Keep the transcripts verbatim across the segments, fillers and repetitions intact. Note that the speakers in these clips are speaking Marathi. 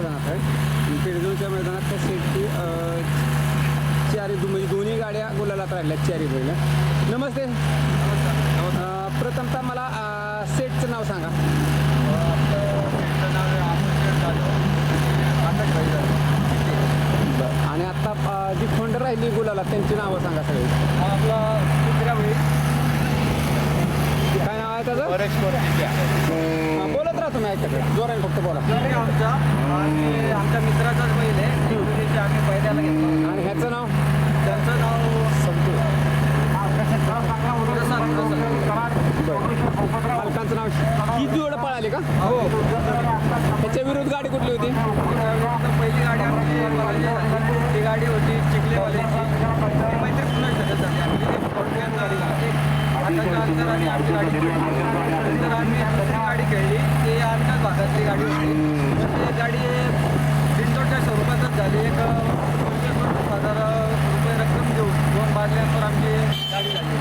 मैदानात आहे. पेडगावच्या मैदानात त्या सेटची चारी म्हणजे दोन्ही गाड्या गुलालात राहिल्यात चारी बैल. नमस्ते. अं, प्रथमतः मला अं, सेटचं नाव सांगा. आणि आता अं, जी खोंड राहिली गुलाला त्यांची नावं सांगा सगळी. आपला दुसऱ्या वेळी काय नाव आहे त्याचं? हां, बोलत राहा तुम्ही ऐकत जोराने फक्त बोला. आमचा आणि आमच्या मित्राचाच बैल आहे. दिवशी आम्ही पहिल्याला घेतलो. आणि ह्याचं नाव? त्यांचं नाव संतू. मालकांचं नाव ही जोड पळाली का? हो. त्याच्या विरुद्ध गाडी कुठली होती? पहिली गाडी आमची पळाली झाली. ती गाडी होती चिखलेवाल्याची. ती मैत्री पुन्हा शकत झाली. आमची ती फोडक्यात गाडी झाली. आताच्या अंतराने आमची गाडी नंतर आम्ही दुसरी गाडी खेळली. ती आमच्याच भागातली गाडी होती. ती गाडी बिंदोडच्या स्वरूपातच झाली. एक पंचवीस हजार रुपये रक्कम घेऊन दोन बाजल्यांवर आमची गाडी झाली.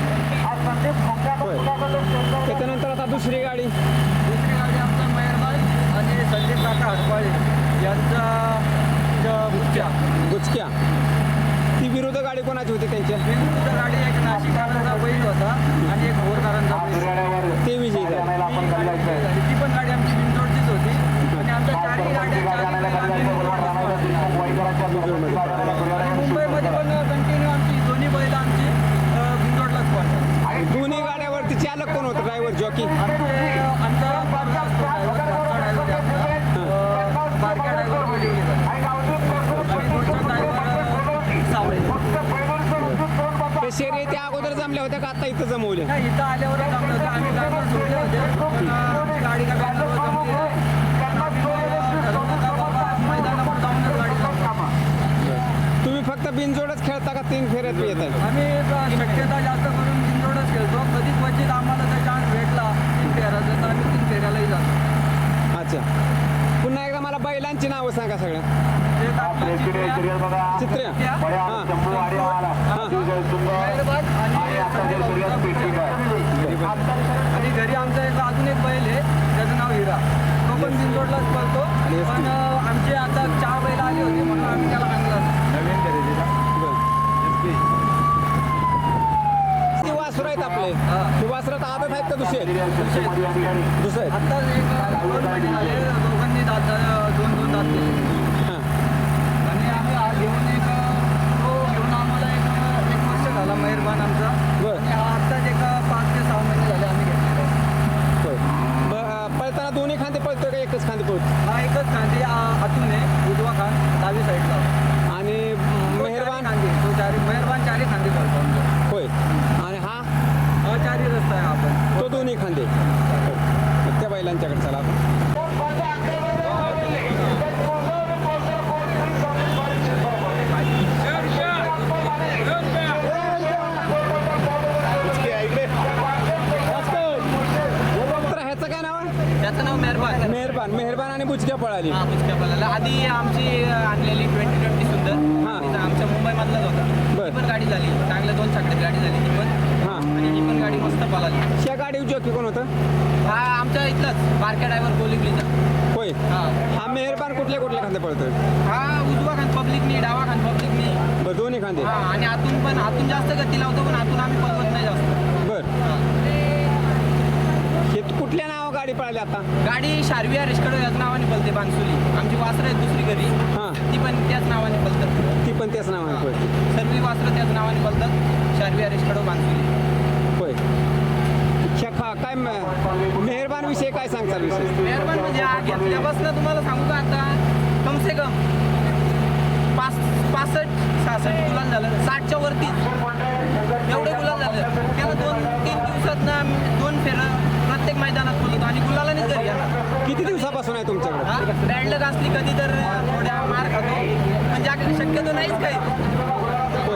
त्याच्यानंतर आता दुसरी गाडी दुसरी गाडी आमचा मेहरबान आणि संदीप काका हडपाळे यांचा गुच्च्या गुचक्या. ती विरुद्ध गाडी कोणाची होती त्यांच्या? विरुद्ध गाडी एक नाशिककरांचा बैल होता आणि एक भोरकरांचा बैल. ते विजयी झाले. झाली. ती पण गाडी आमची बिंदोडचीच होती आणि आमच्या चारही गाड्या मुंबईमध्ये पण कंटिन्यू आमची दोन्ही बैल आमची बिंदोडलाच पडतात. दोन्ही गाड्यावरती चालक कोण होतं? Driver jockey? आमचा बारक्या ड्रायव्हर ते शर्यती त्या अगोदर जमल्या होत्या का आता इथं जमवल्या? नाही, इथं आल्यावरच जमलं होतं. आम्ही गाडीवर सोडले होते पण आमची गाडी का गाडीवर जमली नाही. ठरवलं का बाबा मैदानावर जाऊनच गाडी जमवा. तुम्ही फक्त बिनजोडच खेळता का तीन फेऱ्यात येत आहे? आम्ही शक्यता जास्त करून बिनजोडच खेळतो. कधी क्वचित आम्हाला जर चान्स भेटला तीन फेऱ्याचा तर आम्ही तीन फेऱ्यालाही जातो. अच्छा. पुन्हा एकदा मला बैलांची नावं सांगा सगळ्या. ते आपलं चित्र्या, चित्र्या. चित्र्या, हां. मेहरबान आणि घरी आमचा एक अजून एक बैल आहे त्याचं नाव हिरा. तो पण बिनजोडलाच पळतो. पण आमचे आता चार बैल आले होते म्हणून आम्ही त्याला आणलं. नवीन खरेदीला ती वासरं आहेत आपले. हां. ती वासरात आदत आहेत का दुसरे? दुसरे आहेत. आता एक दोन महिने झाले दोघांनी दात दोन दोन दात दिले. हां. आणि आम्ही हा घेऊन एक तो घेऊन आम्हाला एक एक वर्ष झाला मेहरबान आमचा. बरं. आणि हा आत्ताच एक पाच ते सहा महिने झाले आम्ही घेतलेला. होय. ब- पळताना दोन्ही खांदे पळतोय का एकच खांदे पळतो? हा एकच खांदी आतून आहे उजवा खान डावी साईडला. आणि तो मेहरबान चारी खांदी तो चारी मेहरबान चारी खांदी पळतो आमचा. होय. आणि हा हा चारी रस्ता आहे आपण तो दोन्ही खांदे. मग त्या बैलांच्याकडे चला आपण. तर ह्याचं काय नाव आहे? त्याचं नाव मेहरबान. मेहरबान. मेहरबान आणि बुचक्या पळाली. हा बुचक्या पळाला. आधी आमची आणलेली ट्वेंटी ट्वेंटी सुंदर हां. तिथं आमच्या मुंबईमधलाच होता. बरं. ती पण गाडी झाली चांगल्या दोन छकड्यात गाडी झाली ती पण. हां. आणि ही पण गाडी मस्त पळाली. त्या गाडी जॉकी कोण होतं? हा आमच्या इथलाच बारक्या ड्रायव्हर कोलिकलीचा. होय. हा हा मेहरबान कुठल्या कुठल्या खांदे पळतोय? हा उजवा खान पब्लिकनी डावा खान पब्लिकनी. बरं, दोन्ही खांदे. हा आणि आतून पण आतून जास्त गती लावतो पण आतून आम्ही पळवत नाही जास्त. बरं. हा. हे कुठल्या नाव गाडी पळाली आता? गाडी शारविया रिस्कडो याच नावाने पळते बांसुली. आमची वासरं आहेत दुसरी घरी हां. ती पण त्याच नावाने पळतात. ती पण त्याच नावाने पळते. सर्व वासरं त्याच नावाने पळतात. शारविया रिस्कडो बांसुली. होय. ह्या खा काय म- मेहरबान विषय काय सांगता विषय? मेहरबान म्हणजे हा घेतल्यापासून तुम्हाला सांगू का आता कम से कम पाच पासष्ट सहासष्ट गुलाल झालं. साठच्या वरतीच एवढे गुलाल झालं. त्याला दोन तीन दिवसात ना दोन फेरं प्रत्येक मैदानात बोलतो आणि गुलालानेच घरी येणार. किती दिवसापासून आहे तुमच्याकडे? हा बॅड लक असली कधी तर थोड्या मार खातो म्हणजे आपल्याला शक्यतो नाहीच काही. होय.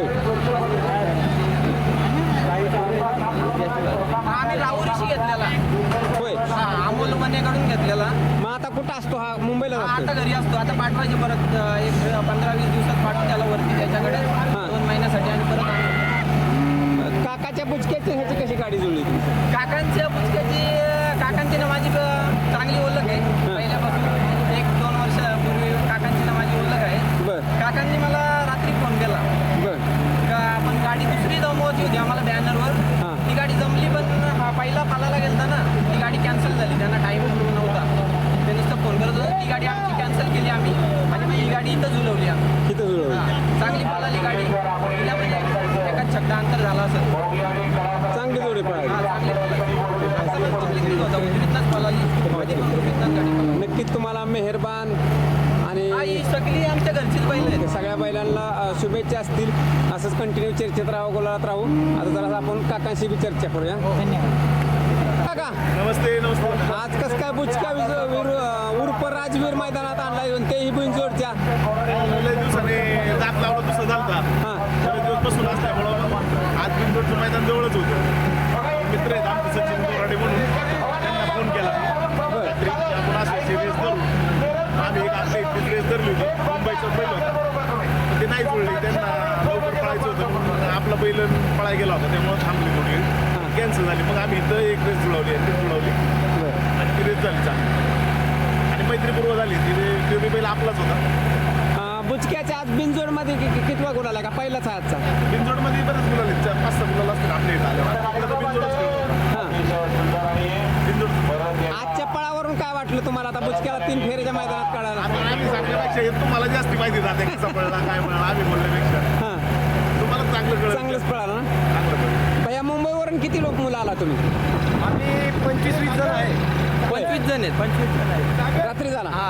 हा आम्ही राहुरीशी घेतलेला. होय. हा अमोल मनेकडून घेतलेला. मग आता कुठं असतो हा? मुंबईला हा, जातो? आता घरी असतो. आता पाठवायचे परत अं, एक पंधरा वीस दिवसात पाठवून त्याला वरती त्याच्याकडे दोन महिन्यासाठी आणि परत आणून. काकाच्या बुचक्याची ह्याची कशी गाडी जुळली तुमची? काकांच्या पुस्तकाची काकांची ना माझी ब- चांगली ओळख आहे पहिल्यापासून. एक दोन वर्षापूर्वी काका चांगली पळाली. सगळ्यात पब्लिकनीच होता, उजवीतनंच पळाली. मध्ये पण उजवीतनंच गाडी पळाली. नक्कीच तुम्हाला मेहरबान आणि हा, ही सगळी आमच्या घरचीच बैल आहेत. ते सगळ्या बैलांना अ, शुभेच्छा असतील. असंच कंटिन्यू चर्चेत राहू, गोलात राहू. आता जरा आपण काकांशी बी चर्चा करूया. काका, नमस्ते नमस्ते आज कसं काय बुचका विज- वीर अ, उर्फ राजवीर मैदानात आणलाय आणि तेही बिनजोडच्या. लय दिवसाने दात लावला दुसरा झालता हां बरेच दिवस बसून असल्यामुळं आज बिंदूरचं मैदान जवळच होतं. मित्र आहेत आमचे सचिन बोराडे म्हणून, त्यांना फोन केला रात्री की आपण असायची रेस धरू. आम्ही एक आपल्या इथलीच रेस धरली होती, मुंबईचा बैल होता पण ते नाही जुळले, त्यांना लवकर पळायचं होतं म्हणून आपला बैल पळायला गेला होता, त्यामुळे थांबली थोडी कॅन्सल झाली. मग आम्ही इथं एक रेस जुळवली ती जुळवली आणि ती रेस झाली चांगली आणि मैत्रीपूर्व झाली. ती ती बैल आपलाच होता. अ, बुचक्याच्या आज बिनजोडमध्ये कि- कि- कितवा गुण आला का पहिलाच आहे आजचा? बिंजोडमध्ये बरेच मुलं आहेत, चार पाच सहा मुलं असतील आपल्या इथं आल्यावर. आपल्याला तर बिंजोडच खेळतो. हां बिंजोड आजच्या पळावरून काय वाटलं तुम्हाला आता बुचक्याला तीन फेऱ्याच्या मैदानात काढायला? आता आम्ही सांगण्यापेक्षा हे तुम्हाला जास्ती माहिती राहते कसा पडला काय पडला आम्ही बोलण्यापेक्षा हां तुम्हाला चांगलं कळत चांगलंच पळाला ना. चांगलं कळलं. भैया मुंबईवरून किती लोक मुलं आला तुम्ही? आम्ही पंचवीस वीस जण आहे. पंचवीस जण आहेत. पंचवीस जण आहेत. रात्री झाला हा,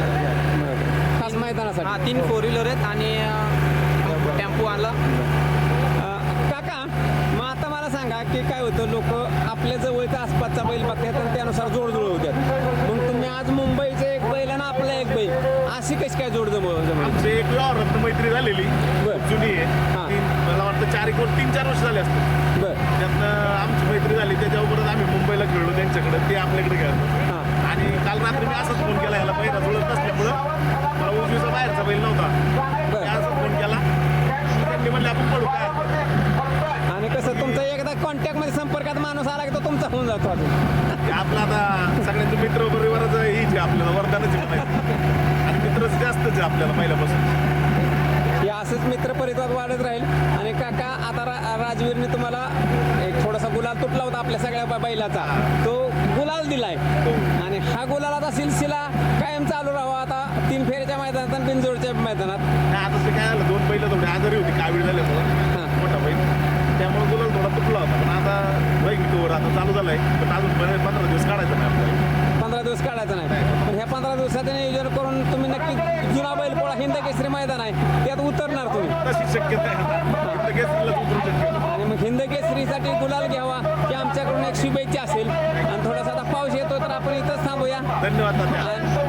खास मैदानासाठी. हा, तीन फोर व्हीलर आहेत आणि अं, टेम्पो आणला. अ, काका मग आता मला सांगा की काय होतं, लोक आपल्या जवळच्या आसपासचा बैल बघतात आणि त्यानुसार जोड जुळ होतात. मग तुम्ही आज मुंबईचे एक बैल आणि आपला एक बैल अशी कशी काय जोड जमव जमवली? आमची एक व्यवहारात मैत्री झालेली बरं. जुनी हां. आहे. तीन मला वाटतं चार एक तीन चार वर्ष झाले असते. बरं त्यातनं आमची मैत्री झाली, त्याच्याबरोबर आम्ही मुंबईला खेळलो त्यांच्याकडे, ते आपल्याकडे खेळतो. हां आणि काल रात्री मी असाच फोन केला ह्याला पहिला जुळत नसल्यामुळं मला उजवीचा बाहेरचा बैल नव्हता, बरं. मी असाच फोन केला. त्यांनी म्हणले आपण पडू काय हरकत नाही. आणि कसं तुमचा एकदा कॉन्टॅक्टमध्ये संपर्कात माणूस आला की तो तुमचा होऊन जातो अजून. ते आपलं आता सगळ्यांचं मित्र परिवाराच हीच आहे आपल्याला, वरदानच आहे म्हणायचं. आणि मित्रच जास्तच आहे आपल्याला पहिल्यापासून. हे असंच मित्र परिवार वाढत राहील. आणि काका आता रा राजवीरने तुम्हाला एक थोडासा गुलाल तुटला होता आपल्या सगळ्या ब- बैलाचा, तो गुलाल दिलाय आणि हा गुलालाचा सिलसिला कायम चालू राहावा. आता तीन फेऱ्याच्या मैदानात आणि बिनजोडच्या मैदानात. नाही आता ते काय झालं, दोन बैल थोडे आजारी होती कावीळ झाल्यामुळं, हां. मोठा बैल, त्यामुळे गुलाल थोडा तुटला होता. पण आता बैल तोवर आता चालू झालाय, पण अजून बरे पंधरा दिवस काढायचं नाही आपल्याला. पंधरा दिवस काढायचं नाही, पण ह्या पंधरा दिवसाचं नियोजन करून तुम्ही नक्की जुना बैलपोळा हिंद केसरी मैदान आहे त्यात उतरणार तुम्ही. तशी शक्यता आहे आता. इथं केसरीला उतरू शक्यता. आणि मग हिंद केसरीसाठी गुलाल घ्यावा की आमच्याकडून एक शुभेच्छा असेल. आणि थोडासा आता पाऊस येतो तर आपण इथंच थांबूया. धन्यवाद तात्या. आणि